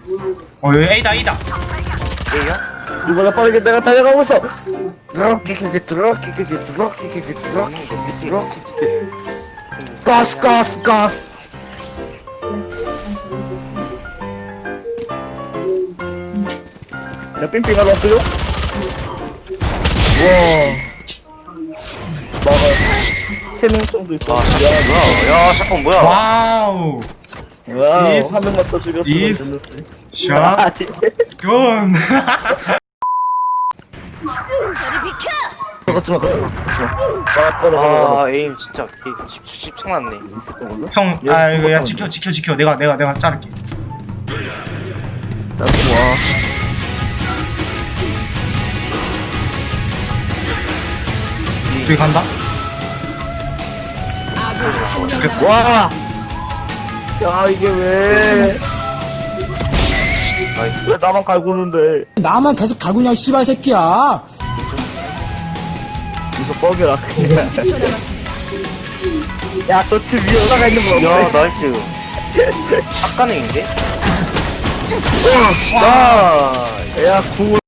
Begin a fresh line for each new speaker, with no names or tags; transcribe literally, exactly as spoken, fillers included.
어 여기 A다 A다.
A야?
이보다 빠르게 내가 달려가고 있어. 드럭키키키 드럭키키키 드럭키키키 드럭키키키 드럭키키키. 가스 가스 가스. 야 삥삥하러 왔어요? 와. 막아. 세명 정도 있어.
아 샷건 뭐야? 야 샷건 뭐야?
와우.
와우.
This-
한 명만 더 죽였으면
this-
됐는데.
샷. gun.
저리 비켜!
걷지마 걷지마 걷지마. 막 걸어.
아 에임 진짜 십창났네.
있었던 걸로?
형, 아 이거 야 지켜 지켜 지켜. 내가 내가 내가 자를게.
나 좋아.
저기 간다. 죽겠다.
와. 야 이게 왜?
나이스.
왜 나만 갈고 오는데?
나만 계속 가구냐 씨발 새끼야.
이거 뻑이라 그냥. 야, 저 집 위에 올라가 있는 거
야
없네.
나이스. 샷건행인데? 나.
야, 궁